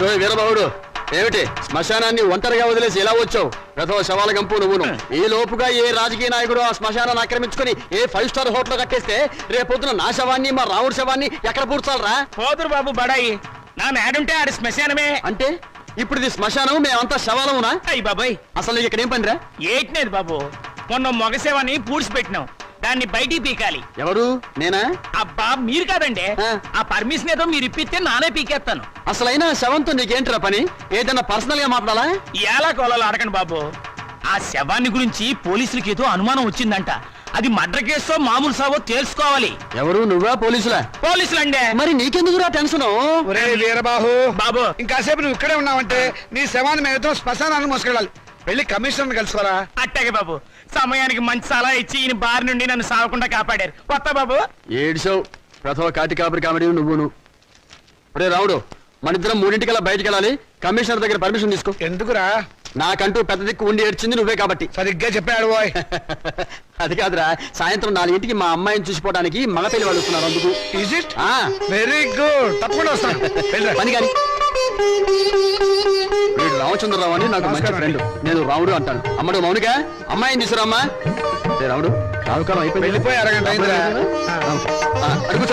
వీరబాబుడు ఏమిటి శ్మశానాన్ని ఒంటరిగా వదిలేసి ఎలా వచ్చావు? గత శవాల గంపు నువ్వును. ఈ లోపుగా ఏ రాజకీయ నాయకుడు ఆ శ్మశానాన్ని ఆక్రమించుకుని ఏ 5 స్టార్ హోటల్ కట్టేస్తే రేపొద్దున నా శవాన్ని మా రాముడి శవాన్ని ఎక్కడ పూడ్చాలరా? పోదురు బాబు బడాయి నా నేడుంటే ఆడి శ్మశానమే. అంటే ఇప్పుడు ఇది శ్మశానం, మేమంతా శవాలమునా? అయ్యి బాబాయ్ అసలు నీకు ఇక్కడ ఏం పనిరా? ఏట్నేది బాబు, మొన్న మగ శవాన్ని పూడ్చిపెట్టినాం, దాన్ని బయటికి పీకాలి. ఎవరు? నేనా? అబ్బా మీరు కాదండి, ఆ పర్మిషన్ ఏదో మీరు ఇప్పిస్తే నానే పీకేస్తాను. అసలైనా శవంతో నీకేంటిరా పని? ఏదైనా పర్సనల్ గా మాట్లాడాలా? ఎలా కోలాలో అడగండి బాబు. ఆ శవాన్ని గురించి పోలీసులకి ఏదో అనుమానం వచ్చిందంట. అది మర్డర్ కేసో మామూలు సావో తెలుసుకోవాలి. ఎవరు? నువ్వా? పోలీసులా? పోలీసులండే. మరి నీకెందుకురా టెన్షన్? వీరబాహు బాబు ఇంకాసేపు నువ్వు ఇక్కడే ఉన్నావంటే నీ శవాన్ని మేము శ్మశానాన్ని మోసుకెళ్ళాలి. వెళ్ళి కమిషనర్ కలుసుకోరా. అట్టాగే బాబు, సమయానికి మంచి సలహా ఇచ్చి ఈయన బారి నుండి నన్ను సావకుండా కాపాడారు. కొత్త బాబు ఏడ్చావు. ప్రథమ కాటి కాపరి కామెడీ నువ్వును. అరే రావుడు, మన ఇద్దరం 3:00 బయటికి వెళ్ళాలి. కమిషనర్ దగ్గర పర్మిషన్ తీసుకో. ఎందుకురా? నాకంటూ పెద్ద దిక్కు ఉండి ఏడ్చింది నువ్వే కాబట్టి. సరిగ్గా చెప్పాడు బాయ్. అది కాదురా, సాయంత్రం 4:00కి మా అమ్మాయిని చూసిపోవడానికి మగ పెళ్లి వాళ్ళు వస్తున్నారు. అందుకు ఈజ్ ఇట్? వెరీ గుడ్, తప్పకుండా వస్తాను. పని కానీ వీడు రామచంద్రరావు అని నాకు మంచి ఫ్రెండ్. నేను రాముడు అంటాను. అమ్మడు మౌనిక, అమ్మాయిని తీసుకురామ్మా. రాముడు రావుకాలం అయిపోయి వెళ్ళిపోయి అరగంట అయిందిరా. అడుగు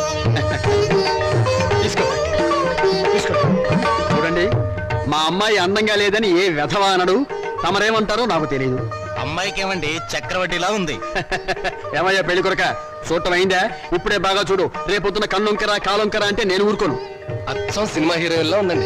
తీసుకో తీసుకో. చూడండి, మా అమ్మాయి అందంగా లేదని ఏ వెధవా అనడు. తమరేమంటారో నాకు తెలియదు. అమ్మాయికి ఏమండి చక్రవడ్డీలా ఉంది. ఏమయ్యా పెళ్లి కొరక, చూడటం అయిందా? ఇప్పుడే బాగా చూడు. రేపొద్దున కన్నొంకరా కాలొంకరా అంటే నేను ఊరుకోను. అచ్చం సినిమా హీరోయిన్లా ఉందండి.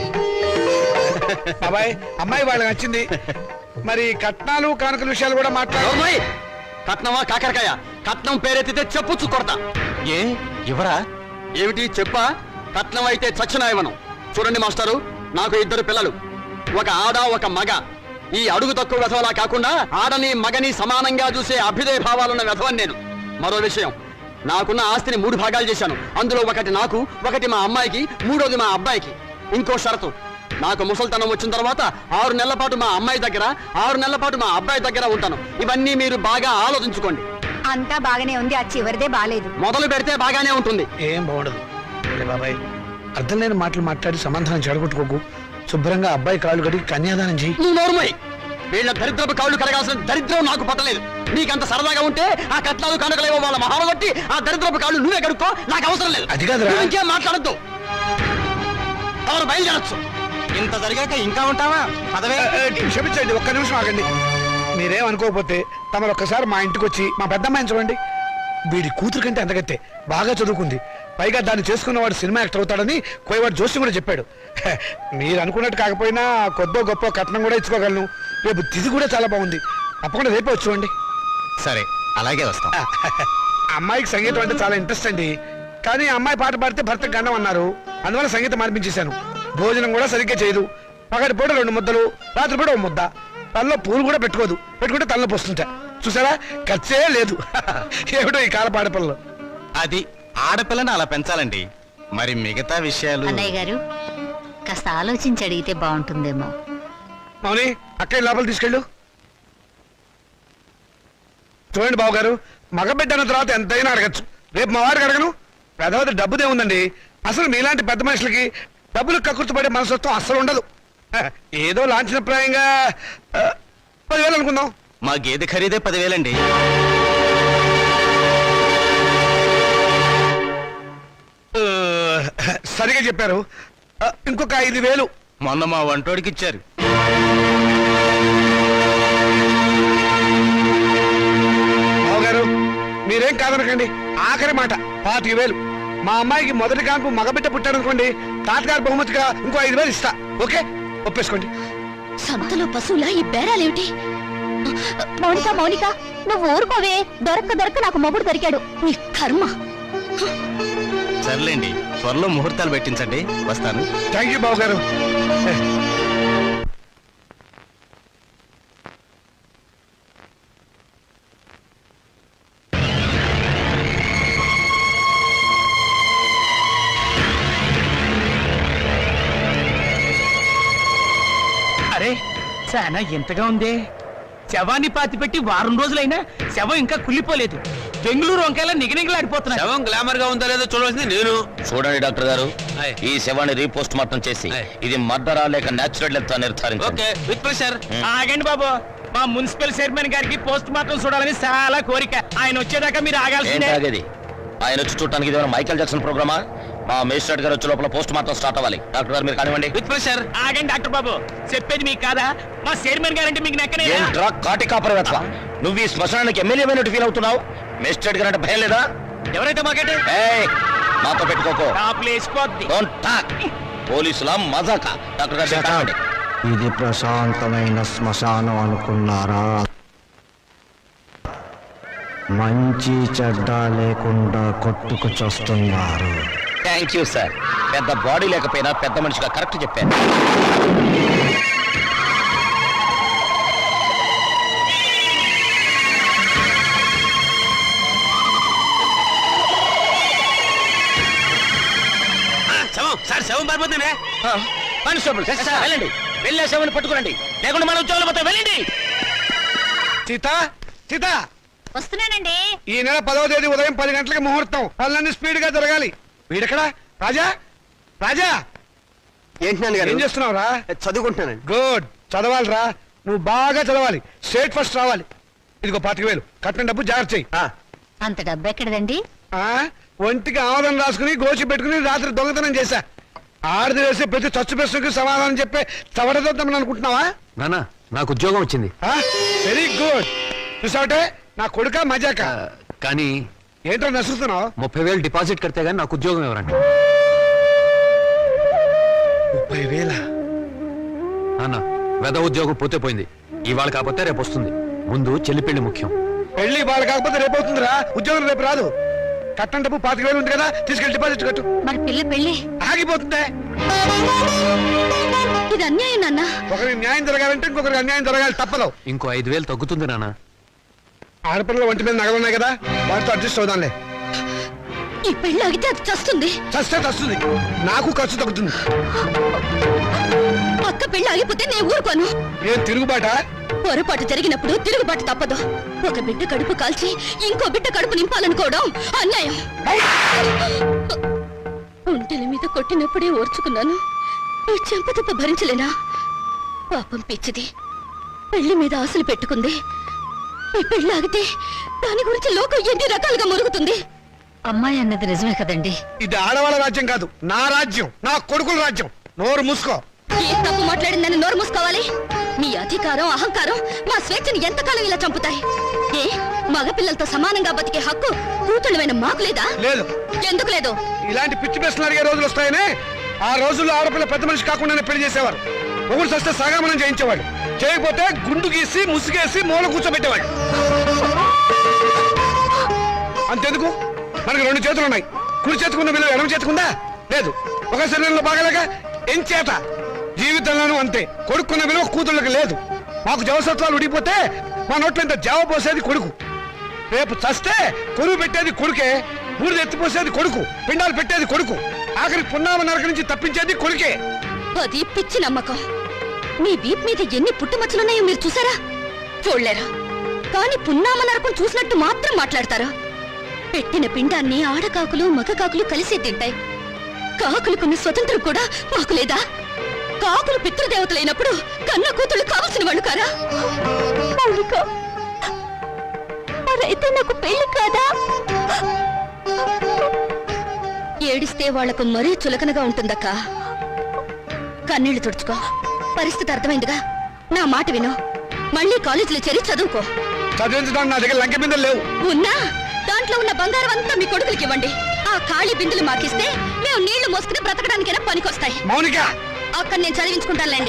బాబాయ్, అమ్మాయి వాళ్ళకి నచ్చింది. మరి కట్నాలు కానుకల విషయాలు కూడా మాట్లాడు. కట్నమా కాకరకాయ? కట్నం పేరెత్తితే చెప్పుచ్చు కొడతా. ఏ ఎవరా? ఏమిటి చెప్పా? కట్నం అయితే చచ్చిన ఇవ్వను. చూడండి మాస్టారు, నాకు 2 పిల్లలు, ఒక ఆడ ఒక మగ. ఈ అడుగు తక్కువ వెధవలా కాకుండా ఆడని మగని సమానంగా చూసే అభ్యుదయ భావాలున్న వెధవని నేను. మరో విషయం, నాకున్న ఆస్తిని 3 భాగాలు చేశాను. అందులో ఒకటి నాకు, ఒకటి మా అమ్మాయికి, 3వది మా అబ్బాయికి. ఇంకో షరతు, నాకు ముసల్తనం వచ్చిన తర్వాత 6 నెలల పాటు మా అమ్మాయి దగ్గర, 6 నెలల పాటు మా అబ్బాయి దగ్గర ఉంటాను. ఇవన్నీ మీరు బాగా ఆలోచించుకోండి. అంతా బాగానే ఉంది, ఆ చివరిదే బాలేదు. మొదలు పెడితే బాగానే ఉంటుంది. ఏం బాగుండదు బాబాయ్. అర్థం లేని మాటలు మాట్లాడి సమాధానం చెడగొట్టుకోకు. శుభ్రంగా అబ్బాయి కాళ్ళు కడిగి కన్యాదానం చెయ్యి. నువ్వు నోరుమోయ్. వీళ్ళ దరిద్రపు కాళ్ళు కడగాల్సిన దరిద్రం నాకు పట్టలేదు. నీకంత సరదాగా ఉంటే ఆ కట్నాలు కనుకలేవో వాళ్ళ మహారగొట్టి ఆ దరిద్రపు కాళ్ళు నువ్వే కడుక్కో, నాకు అవసరం లేదు. అది కాదురా. ఇంకేం మాట్లాడద్దు. ఎవరు బయలుదేరచ్చు. ఇంత జరిగాక ఇంకా ఉంటావా? పదవే. క్షమించండి, ఒక్క నిమిషం ఆగండి. మీరేమనుకోకపోతే తమరు ఒక్కసారి మా ఇంటికి వచ్చి మా పెద్దమ్మాయిని చూడండి. వీడి కూతురు కంటే అంతకత్తే బాగా చదువుకుంది. పైగా దాన్ని చేసుకున్నవాడు సినిమా యాక్టర్ అవుతాడని కోయవాడు జోషి కూడా చెప్పాడు. మీరు అనుకున్నట్టు కాకపోయినా కొద్దో గొప్ప కట్నం కూడా ఇచ్చుకోగలను. రేపు తిథి కూడా చాలా బాగుంది. తప్పకుండా రేపే వచ్చి చూడండి. సరే, అలాగే వస్తాం. అమ్మాయికి సంగీతం అంటే చాలా ఇంట్రెస్ట్ అండి. కానీ అమ్మాయి పాట పాడితే భర్తకు గండం అన్నారు. అందువల్ల సంగీతం మార్పించేశాను. భోజనం కూడా సరిగ్గా చేయదు. పగటి పూట 2 ముద్దలు, రాత్రి పూట 1 ముద్ద. తనలో పూలు కూడా పెట్టుకోదు. పెట్టుకుంటే తనలో పోస్తుంటా. చూసారా, ఖర్చే లేదు. ఏమిటో ఈ కాల పాడపిల్లలు. అది ఆడపిల్లని అలా పెంచాలండి. మరి మిగతా విషయాలు అన్నయ్య గారు కాస్త ఆలోచించి అడిగితే బాగుంటుందేమో. మౌని, అక్కడి లోపల తీసుకెళ్ళు. చూడండి బాబు గారు, మగబిడ్డ అన్న తర్వాత ఎంతైనా అడగచ్చు. రేపు మా వాడికి అడగను. పెద్దవాడి డబ్బుదే ఉందండి. అసలు మీలాంటి పెద్ద మనుషులకి డబ్బులు కక్కుర్తిపడే మనస్తత్వం అస్సలు ఉండదు. ఏదో లాంఛనప్రాయంగా 10,000 అనుకుందాం. మా గేదె ఖరీదే 10,000 అండి. సరిగా చెప్పారు. ఇంకొక 5,000 మొన్న మా వంటోడికి ఇచ్చారు. బావగారు, మీరేం కాదనకండి. ఆఖరి మాట 25,000. మా అమ్మాయికి మొదటి కాన్పు మగబిడ్డ పుట్టాడనుకోండి, తాతగారి బహుమతిగా ఇంకో 5,000 ఇస్తా. ఓకే, ఒప్పేసుకోండి. సంతలో పశువులా ఈ బేరాలేమిటి? మౌనిక మౌనిక, నువ్వు ఊరుకోవే. దొరక్క నాకు మొగుడు దొరికాడు. నీ కర్మ. సర్లేండి, త్వరలో ముహూర్తాలు పెట్టించండి. వస్తాను. థ్యాంక్ యూ బాబు గారు. అరే చాలా ఎంతగా ఉంది. శవాన్ని పాతి పెట్టి 1 వారం రోజులైనా శవం ఇంకా కుళ్ళిపోలేదు. బెంగళూరు వంకాయలా నిగనిగలాడిపోతున్నా. శవం గ్లామర్ గా ఉందో లేదో చూడాల్సింది నేను. చూడండి డాక్టర్ గారు, ఈ శవాన్ని రీపోస్ట్ మార్టం చేసి ఇది మర్డరా లేక నేచురల్ డెత్ నిర్ధారించండి. With pressure. ఆగండి బాబు, మా మున్సిపల్ చైర్మన్ గారికి పోస్ట్ మార్టం చూడాలని చాలా కోరిక. ఆయన వచ్చేదాకా మీరు ఆగాల్సిందే. ఏంటి ఆగేది? ఆయన వచ్చి చూడటానికి ఇది మైకేల్ జాక్సన్ ప్రోగ్రామా? మా మేజిస్ట్రేట్ గారు వచ్చే లోపల పోస్ట్ మార్టం స్టార్ట్ అవ్వాలి. డాక్టర్ గారు మీరు కానివ్వండి. With pressure. ఆగండి డాక్టర్ బాబు, చెప్పేది మీకు కాదా? మా చైర్మన్ గారంటే మీకు నెక్కనే. ఏంట్రా కాటి కాపరి వెతవా? నువ్వు ఈ శ్మశానానికి ఎమ్మెల్యే అయినట్టు ఫీల్ అవుతున్నావు? మేజిస్ట్రేట్ గారు అంటే భయం లేదా? ఎవరైతే మాకంటే ఏయ్, మాతో పెట్టుకోకో. టాప్లు వేసిపోద్ది. Don't talk. పోలీసుల మజాక. డాక్టర్ గారు మీరు కానివ్వండి. ఇది ప్రశాంతమైన శ్మశానం అనుకున్నారా? మంచి చెడ్డ లేకుండా కొట్టుకు చస్తున్నారు. Thank you sir. పెద్ద బాడీ లేకపోయినా పెద్ద మనిషిగా కరెక్ట్ చెప్పాను. సార్ శవం పారిపోతుంది. కానిస్టేబుల్ వెళ్ళండి, వెళ్ళే శవాన్ని పట్టుకురండి, లేకుండా మన ఉద్యోగాలు పోతే వెళ్ళండి. సీత సీత వస్తున్నానండి. ఈ నెల 10వ తేదీ ఉదయం 10 గంటలకు ముహూర్తం. పనులన్నీ స్పీడ్ గా జరగాలి. వీడెక్కడ? రాజా రాజా ఏంటి నాన్నగారు? ఏం చేస్తున్నావురా? చదువుకుంటున్నానండి. గుడ్, చదవాలిరా. నువ్వు బాగా చదవాలి, స్టేట్ ఫస్ట్ రావాలి. ఇదిగో 25,000 కట్టిన డబ్బు జాగ్రత్త చెయ్యి. అంత డబ్బు ఎక్కడదండి? ఒంటికి ఆమోదం రాసుకుని గోచి పెట్టుకుని రాత్రి దొంగతనం చేశా. ఆడిది వేసే ప్రతి చచ్చు ప్రశ్నకు సమాధానం చెప్పే చవడదొద్దామని అనుకుంటున్నావా? నానా, నాకు ఉద్యోగం వచ్చింది. Very good. చూసావటే నా కొడుక మజాక. కానీ ఏంటో నసురుతున్నావు? 30,000 డిపాజిట్ కడితే గానీ నాకు ఉద్యోగం ఎవరండి? 30,000? నాన్న, వెద ఉద్యోగం పోతే పోయింది. ఇవాళ కాకపోతే రేపు వస్తుంది. ముందు చెల్లి పెళ్లి ముఖ్యం. పెళ్లి వాళ్ళు కాకపోతే రేపు అవుతుందిరా. ఉద్యోగం రేపు రాదు. కట్టం డబ్బు 25,000 ఉంది కదా, తీసుకెళ్లి డిపాజిట్ కట్టు. మరి పిల్ల పెళ్ళి ఆగిపోతుందే. ఇది అన్యాయం నాన్న. ఒకరికి న్యాయం జరగాలంటే ఇంకొకరికి అన్యాయం జరగాలి, తప్పదు. ఇంకో 5,000 తగ్గుతుంది నాన్న. ఆడపిల్లల ఒంటి మీద నగలు ఉన్నాయి కదా, వాటితో అడ్జస్ట్ అవుదాంలే. ఈ పెళ్ళి ఆగితే అది చస్తుంది. చస్తే చస్తుంది, నాకు ఖర్చు తగ్గుతుంది. పక్క పెళ్ళి ఆగిపోతే నేను ఊరుకోను. ఏం తిరుగుబాట? పొరపాటు జరిగినప్పుడు తిరుగుబాటు తప్పదు. ఒక బిడ్డ కడుపు కాల్చి ఇంకో బిడ్డ కడుపు నింపాలనుకోవడం అన్యాయం. ఒంటెల మీద కొట్టినప్పుడే ఓర్చుకున్నాను, ఈ చెంపదెబ్బ భరించలేనా? పాపం పిచ్చిది, పెళ్లి మీద ఆశలు పెట్టుకుంది. ఈ పెళ్లి ఆగితే దాని గురించి లోకం ఎన్ని రకాలుగా మురుగుతుంది. అమ్మాయి అన్నది నిజమే కదండి. ఇది ఆడవాళ్ళ రాజ్యం కాదు, నా రాజ్యం, నా కొడుకుల రాజ్యం. నోరు మూసుకో. ఏ తప్పు మాట్లాడిందని నోరు మూసుకోవాలి? మీ అధికారం అహంకారం మా స్వేచ్ఛని ఎంతకాలం ఇలా చంపుతాయి? ఏ మగపిల్లలతో సమానంగా బతికే హక్కు కూతుళ్ళమైన మాకు లేదా? లేదు. ఎందుకు లేదు? ఇలాంటి పిచ్చి ప్రశ్నలు అడిగే రోజులు వస్తాయనే ఆ రోజుల్లో ఆడపిల్ల పెద్ద మనిషి కాకుండానే పెళ్లి చేసేవారు. ఒకరు సస్తే సాగమనం చేయించేవాడు, చేయకపోతే గుండు గీసి ముసుగేసి మూల కూర్చోబెట్టేవాడు. అంతెందుకు, మనకు 2 చేతులు ఉన్నాయి. కుడి చేతుకున్న విలువ ఎడమ చేతుకుందా? లేదు. ఒక శరీరంలో బాగాలేక ఎంచేత జీవితంలోనూ అంతే. కొడుకున్న విలువ కూతుళ్ళకి లేదు. మాకు జవసత్వాలు ఉడిగిపోతే మా నోట్లో ఇంత జావ పోసేది కొడుకు. రేపు చస్తే కొరువు పెట్టేది కొడుకే, బూడిద ఎత్తిపోసేది కొడుకు, పిండాలు పెట్టేది కొడుకు, ఆఖరి పున్నామ నరక నుంచి తప్పించేది కొడుకే. అది పిచ్చి నమ్మకం. మీ వీప్ మీద ఎన్ని పుట్టుమచ్చలున్నాయో మీరు చూసారా? చూడలేరా? కానీ పున్నామ నరకం చూసినట్టు మాత్రం మాట్లాడతారా? పెట్టిన పిండాన్ని ఆడకాకులు మగ కాకులు కలిసి తింటాయి. కాకులుకున్న స్వతంత్రం కూడా మాకు లేదా? కాకులు పితృదేవతలైనప్పుడు కన్న కూతుళ్ళు కావలసిన వాళ్ళు కారా? మరైతే నాకు పెళ్లి కాదా? ఏడిస్తే వాళ్లకు మరీ చులకనగా ఉంటుందక్క. కన్నీళ్లు తుడుచుకో. పరిస్థితి అర్థమైందిగా. నా మాట విను. మళ్ళీ కాలేజీలో చేరి చదువుకో. చదివించడానికి నా దగ్గర లంకె బిందెలు లేవు. ఉన్నా దాంట్లో ఉన్న బంగారం అంతా మీ కొడుకులకి ఇవ్వండి. ఆ ఖాళీ బిందులు మాకిస్తే మేము నీళ్లు మోసుకుని బ్రతకడానికైనా పనికొస్తాయి. మౌనిక, అక్కడ నేను చదివించుకుంటానులేండి.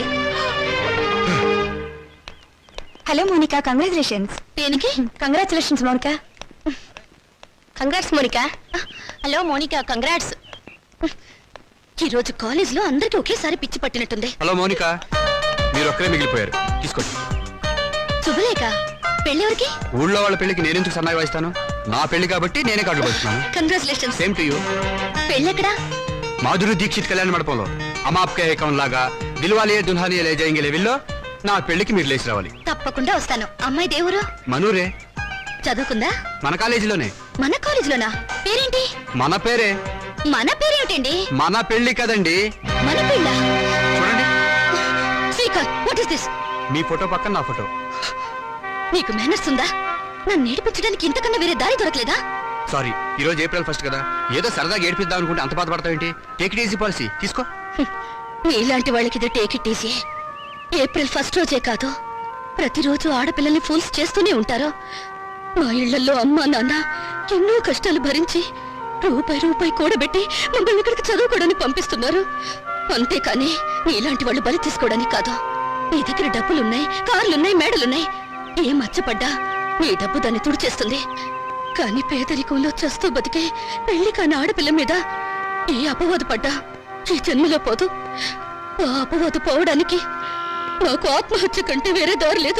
Hello Monika, congratulations. దేనికి? Congratulations Monika. Congrats Monika. Hello Monika, congrats. ఈ రోజు కాలేజ్ లో అందరికి ఒకేసారి పిచ్చి పట్టినట్టుంది. హలో మౌనిక, మీరు ఒక్కరే మిగిలిపోయారు, తీసుకోండి. శుభలేఖ, పెళ్ళెవరికి? ఊళ్ళో వాళ్ళ పెళ్లికి నేనెందుకు సన్నాయి వాయిస్తాను? నా పెళ్లి కాబట్టి నేనే కార్డులు పడుతున్నాను. కంగ్రాచులేషన్స్. Same to you. పెళ్ళెక్కడా? మాధురి దీక్షిత్ కళ్యాణ మండపంలో అమాప్కే అకౌంట్ లాగా దిల్వాలియే దుల్హానియే లే జాయేంగే లెవెల్లో నా పెళ్లికి మీరు లేచి రావాలి. తప్పకుండా వస్తాను. అమ్మాయి దేవురు? మనూరే. చదువుకుందా? మన కాలేజీలోనే. మన కాలేజీలోనా? పేరేంటి? మన పేరే. మన పేరేమిటండి? మన పెళ్లి కదండి. మన పెళ్ళ? చూడండి, శ్రీకాంత్, వాట్ ఇస్ దిస్? మీ ఫోటో పక్కన నా ఫోటో. నీకు మేనర్స్ ఉందా? నన్ను నేర్పించడానికి ఇంతకన్నా వేరే దారి దొరకలేదా? సారీ, ఈ రోజు ఏప్రిల్ 1 కదా, ఏదో సరదాగా ఏడిపిద్దాం అనుకుంటే అంత బాధపడతావేంటి? టేక్ ఇట్ ఈజీ పాలసీ తీసుకో. నీలాంటి వాళ్ళకి ఇది టేక్ ఇట్ ఈజీ. ఏప్రిల్ 1 రోజే కాదు, ప్రతిరోజు ఆడపిల్లల్ని ఫూల్స్ చేస్తూనే ఉంటారు. మా ఇళ్లలో అమ్మా నాన్న ఎన్నో కష్టాలు భరించి రూపాయి కూడబెట్టి మమ్మల్ని ఇక్కడికి చదువుకోవడానికి పంపిస్తున్నారు. అంతేకాని నీలాంటి వాళ్ళు బలి తీసుకోవడానికి కాదు. నీ దగ్గర డబ్బులున్నాయి, కార్లున్నాయి, మేడలున్నాయి. ఏ మచ్చపడ్డా నీ డబ్బు దాన్ని తుడిచేస్తుంది. కానీ పేదరికంలో చస్తూ బతికే పెళ్లి కాని ఆడపిల్ల మీద ఏ అపవాదు పడ్డా ఈ జన్మలో పోదు. ఆ అపవాదు పోవడానికి నాకు ఆత్మహత్య కంటే వేరే దారి లేదు.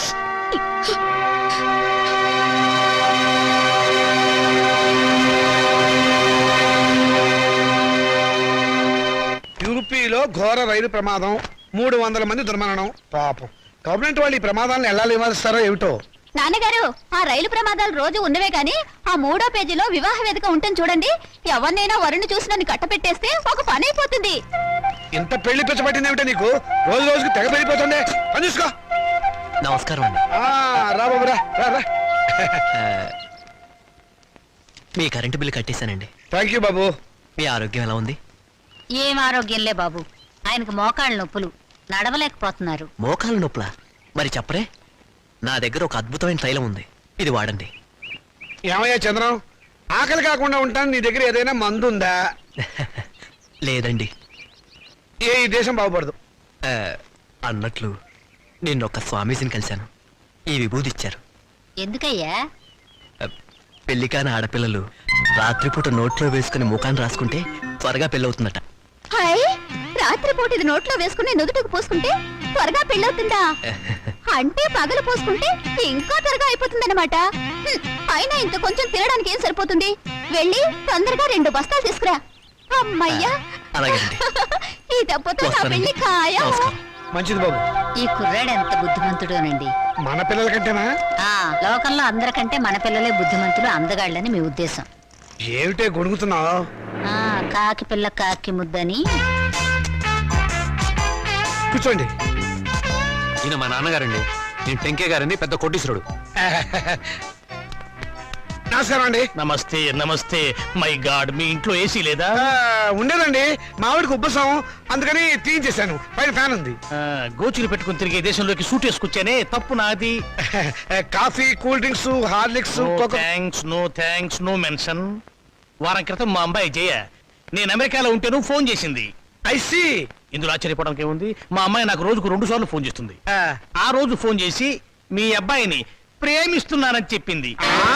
యూపీలో ఘోర రైలు ప్రమాదం, 300 మంది దుర్మరణం. పాపం గవర్నమెంట్ వాళ్ళు ఈ ప్రమాదాలను ఎలా నివారిస్తారో ఏమిటో. నాన్నగారు, ఆ రైలు ప్రమాదాలు రోజు ఉన్నవే గాని ఆ 3వ పేజీలో వివాహ వేదిక ఉంటుంది చూడండి. ఎవరినైనా వరుణ్ణి చూసి నన్ను కట్టపెట్టేస్తే ఒక పని అయిపోతుంది. ఇంత పెళ్లి పిచ్చబట్టింది ఏమిటో నీకు? రోజు రోజుకి తెగ పెరిగిపోతుంది. పని చూసుకో. నమస్కారం అండి. రా బాబు రా రా రా. మీ కరెంటు బిల్లు కట్టేశానండి. థ్యాంక్ యూ బాబు. మీ ఆరోగ్యం ఎలా ఉంది? ఏం ఆరోగ్యంలే బాబు, ఆయనకు మోకాళ్ళ నొప్పులు, నడవలేకపోతున్నారు. మోకాలు నొప్పులా? మరి చెప్పరే, నా దగ్గర ఒక అద్భుతమైన తైలం ఉంది, ఇది వాడండి. ఏమయ్యా చంద్రం, ఆకలి కాకుండా ఉంటాను, నీ దగ్గర ఏదైనా మందు ఉందా? లేదండి. ఈ దేశం బాగుపడదు. అన్నట్లు నిన్నొక్క స్వామీజీని కలిశాను. ఈ విభూది ఇచ్చారు. ఎందుకయ్యా? పెళ్లి కాని ఆడపిల్లలు రాత్రిపూట నోట్లో వేసుకుని ముఖాన్ని రాసుకుంటే త్వరగా పెళ్ళవుతుందట. హాయ్, రాత్రిపూట ఇది నోట్లో వేసుకుని నుదుటికి పోసుకుంటే త్వరగా పెళ్ళవుతుందా? అంటే పగలు పోసుకుంటే ఇంకా త్వరగా అయిపోతుందన్నమాట. అయినా ఇంత కొంచెం తినడానికి ఏం సరిపోతుంది? వెళ్ళి తొందరగా 2 బస్తాలు తీసుకురా. అమ్మయ్యా, అలాగేనండి. ఈ దెబ్బతో నా పెళ్లి ఖాయం. నమస్కారం. మంచిది బాబు. ఈ కుర్రాడు ఎంత బుద్ధిమంతుడోనండి. మన పిల్లల కంటేనా? లోకంలో అందరికంటే మన పిల్లలే బుద్ధిమంతులు, అందగాళ్ళని మీ ఉద్దేశం. ఏమిటే గొడుగుతున్నావు? కాకి పిల్ల కాకి ముద్దని. కూర్చోండి. ఈయన మా నాన్నగారండి. నేను టెంకే గారండి, పెద్ద కోటీశ్వరుడు. నమస్కారం అండి. నమస్తే నమస్తే. మై గాడ్, మీ ఇంట్లో ఏసీ లేదా? ఉండేదండి, మావిడికి ఉబ్బసం, అందుకని తీయించేశాను. పైన ఫ్యాన్ ఉంది. గోచులు పెట్టుకుని తిరిగే దేశంలోకి సూట్ వేసుకొచ్చానే, తప్పు నాది. Coffee, cool drinks, Horlicks, no thanks, no mention. వారం క్రితం మా అమ్మాయి జయ నేను అమెరికాలో ఉంటేను ఫోన్ చేసింది. ఐసి. ఇందులో ఆశ్చర్యపోవడానికి ఏముంది? మా అమ్మాయి నాకు రోజుకు 2 సార్లు ఫోన్ చేస్తుంది. ఆ రోజు ఫోన్ చేసి మీ అబ్బాయిని ప్రేమిస్తున్నానని చెప్పింది.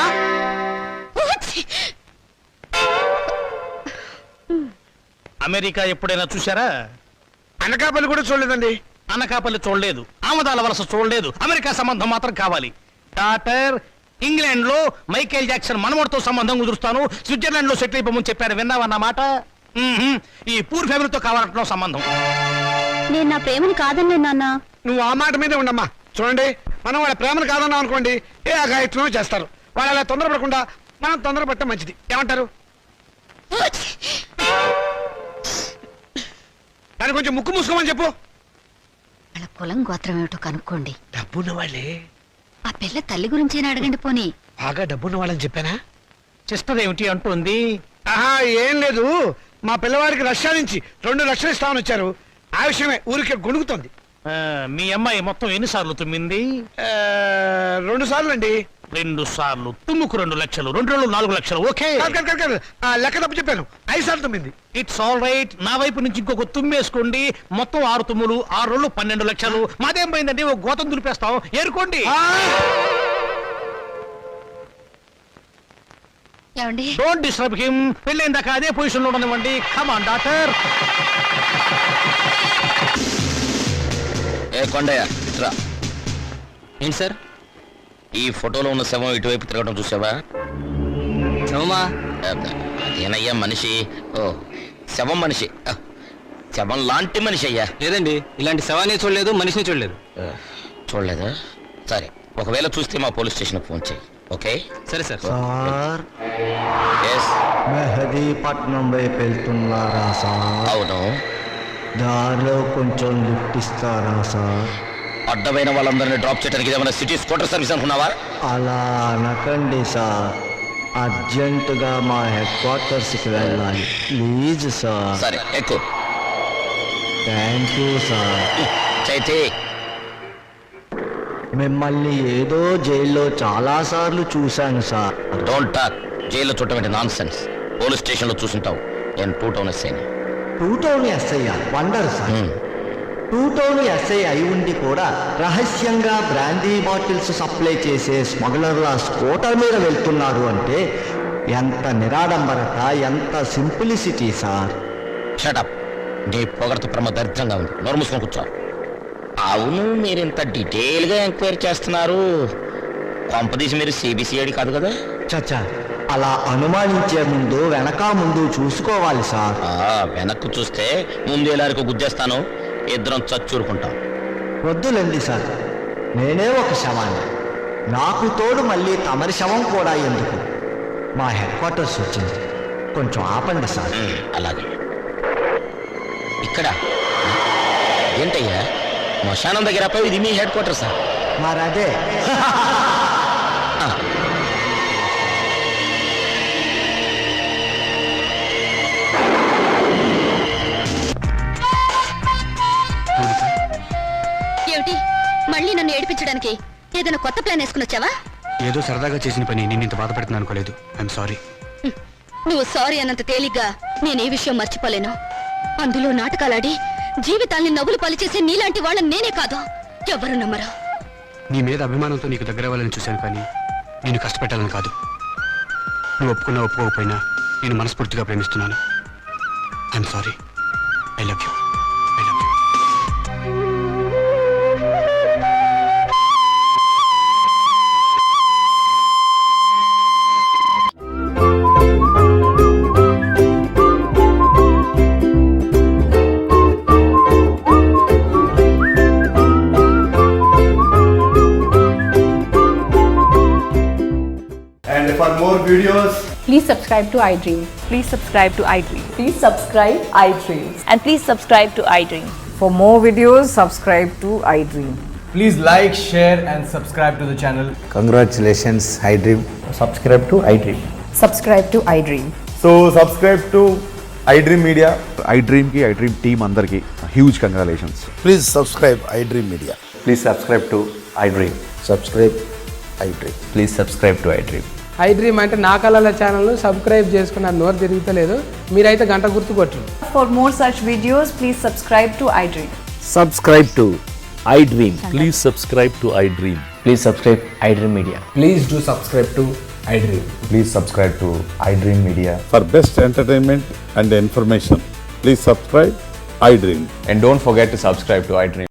అమెరికా ఎప్పుడైనా చూసారా? అనకాపల్లి కూడా చూడలేదండి. అనకాపల్లి చూడలేదు, ఆమదాల వలస చూడలేదు, అమెరికా సంబంధం మాత్రం కావాలి. డాక్టర్, ఇంగ్లాండ్ లో మైకేల్ జాక్సన్ మనవడితో సంబంధం కుదురుస్తాను, స్విట్జర్లాండ్ లో సెటిల్ అయిపోమని చెప్పాడు. విన్నావన్నమాట? ఈ పూర్ ఫ్యామిలీతో కావాలంటున్నావు సంబంధం. నేను నా ప్రేమని కాదన్నే నాన్న. నువ్వు ఆ మాట మీదే ఉండమ్మా. చూడండి, మనం వాళ్ళ ప్రేమను కాదన్నాం అనుకోండి, ఏ అఘాయిత్వమో చేస్తారు. వాళ్ళు అలా తొందరపడకుండా మనం తొందరపడటం మంచిది. ఏమంటారు? దాన్ని కొంచెం ముక్కు మూసుకోమని చెప్పు. వాళ్ళ కులం గోత్రం ఏమిటో కనుక్కోండి. డబ్బున్న వాళ్ళే. ఆ పిల్ల తల్లి గురించేనా అడగండి పోనీ. బాగా డబ్బున్న వాళ్ళని చెప్పానా? సిస్టర్ ఏమిటి అంటుంది? ఆహా, ఏం లేదు. మా పిల్లవాడికి రష్యా నుంచి 2 లక్షలు ఇస్తామని వచ్చారు. ఆ విషయమే ఊరికే గొణుగుతోంది. మీ అమ్మాయి మొత్తం ఎన్నిసార్లు తుమ్మింది? 2 సార్లు అండి. 2 సార్లు తుమ్ముకు 2 లక్షలు, 2 రోజులు 4 లక్షలు. ఓకే, లెక్క తప్పు చెప్పాను. 5 సార్లు తుమ్మింది. It's all right. నా వైపు నుంచి ఇంకొక తుమ్మేసుకోండి. మొత్తం 6 తుమ్ములు, 6 రోజులు 12 లక్షలు. మాదేం పోయిందండి, ఒక గోతం దులిపేస్తాం, ఏరుకోండి. ఏమండి? Don't disturb him. పెళ్ళైన దాకా అదే పొజిషన్ లో ఉండనివ్వండి. Come on doctor. ఏ కొండయ్య, ఇట్రా. ఏంటి సార్, ఈ ఫోటోలో ఉన్న శవం ఇటువైపు తిరగడం చూసావా? శవమా? అదేనయ్యా, మనిషి. ఓ, శవం మనిషి. శవం లాంటి మనిషి అయ్యా. లేదండి, ఇలాంటి శవాన్ని చూడలేదు, మనిషిని చూడలేదు. చూడలేదా? సరే, ఒకవేళ చూస్తే మా పోలీస్ స్టేషన్ ఫోన్ చేయి. ఓకే? సరే సార్. Sir, yes. मैं మెహదీపట్నం వైపు వెళ్తున్నారా సార్? అవును. దారిలో కొంచెం లిఫ్ట్ ఇస్తారా సార్? అడ్డమైన వాళ్ళందరినీ డ్రాప్ చేయడానికి ఏమైనా సిటీ స్కూటర్ సర్వీస్ అనుకున్నావా? అలా అనకండి సార్, అర్జెంటుగా మా హెడ్ క్వార్టర్స్కి వెళ్ళాలి ప్లీజ్ సార్. సరే ఎక్కువ. Thank you sir. చైతి, మిమ్మల్ని ఏదో జైల్లో చాలాసార్లు చూశాను సార్. Don't talk. జైల్లో చుట్టమంటే నాన్ సెన్స్. పోలీస్ స్టేషన్లో చూసుంటావు. నేను 2 టౌన్ ఎస్ఐని. 2 టౌన్ ఎస్ఐ వండర్ సార్. 2 టౌన్ ఎస్ఐ అయి ఉండి కూడా రహస్యంగా బ్రాందీ బాటిల్స్ సప్లై చేసే స్మగ్లర్ల స్కూటర్ మీద వెళ్తున్నారు అంటే ఎంత నిరాడంబరత, ఎంత సింప్లిసిటీ సార్. షటప్. నీ పొగడత ప్రమ దరిద్రంగా ఉంది. నోరు మూసుకొని కూర్చో. అవును, మీరు ఇంత డీటెయిల్గా ఎంక్వైరీ చేస్తున్నారు. కొంపదీసి మీరు సిబిసిఐడి కాదు కదా? చచ్చా, అలా అనుమానించే ముందు వెనక ముందు చూసుకోవాలి సార్. వెనక్కు చూస్తే ముందు ఎలారికి గుద్దేస్తాను. ఇద్దరం చచ్చూరుకుంటాం. వద్దులేండి సార్, నేనే ఒక శవాన్ని. నాకు తోడు మళ్ళీ తమరి శవం కూడా ఎందుకు? మా హెడ్ క్వార్టర్స్ వచ్చింది, కొంచెం ఆపండి సార్. అలాగే. ఇక్కడ ఏంటయ్యా శ్మశానం దగ్గర పోయి ఇది మీ హెడ్ క్వార్టర్ సార్? మరదే. ఏమిటి మళ్ళీ నన్ను ఏడిపించడానికి ఏదైనా కొత్త ప్లాన్ వేసుకుని వచ్చావా? ఏదో సరదాగా చేసిన పని నేను ఇంత బాధపడుతున్నాను అనుకోలేదు. I'm sorry. నువ్వు సారీ అన్నంత తేలిగ్గా నేనే విషయం మర్చిపోలేను. అందులో నాటకాలాడి జీవితాల్ని నవ్వులు పలిచేసే నీలాంటి వాళ్ళని నేనే కాదు, ఎవరు నమ్మరు. నీ మీద అభిమానంతో నీకు దగ్గర అవ్వాలని చూశాను, కానీ నేను కష్టపెట్టాలని కాదు. నువ్వు ఒప్పుకున్నా ఒప్పుకోకపోయినా నేను మనస్ఫూర్తిగా ప్రేమిస్తున్నాను. I'm sorry. I love you. I love you. And for more videos, please subscribe to iDream. Please subscribe to iDream. Please subscribe iDream. And please subscribe to iDream. For more videos, subscribe to iDream. please like, share and subscribe to the channel. Congratulations iDream. Subscribe to iDream. Subscribe to iDream. So subscribe to iDream Media. iDream ki iDream team andarki huge congratulations. Please subscribe iDream Media. Please subscribe to iDream. Subscribe iDream. Please subscribe to iDream. iDream అంటే నా కళల channel subscribe చేసుకున్న నోరు తిరుగుతలేదు. మీరైతే గంట గుర్తు కొట్టండి. For more such videos, please subscribe to iDream. Subscribe to iDream. Please subscribe to iDream. Please subscribe iDream Media. Please do subscribe to iDream. Please subscribe to iDream Media. For best entertainment and information, please subscribe iDream. And don't forget to subscribe to iDream.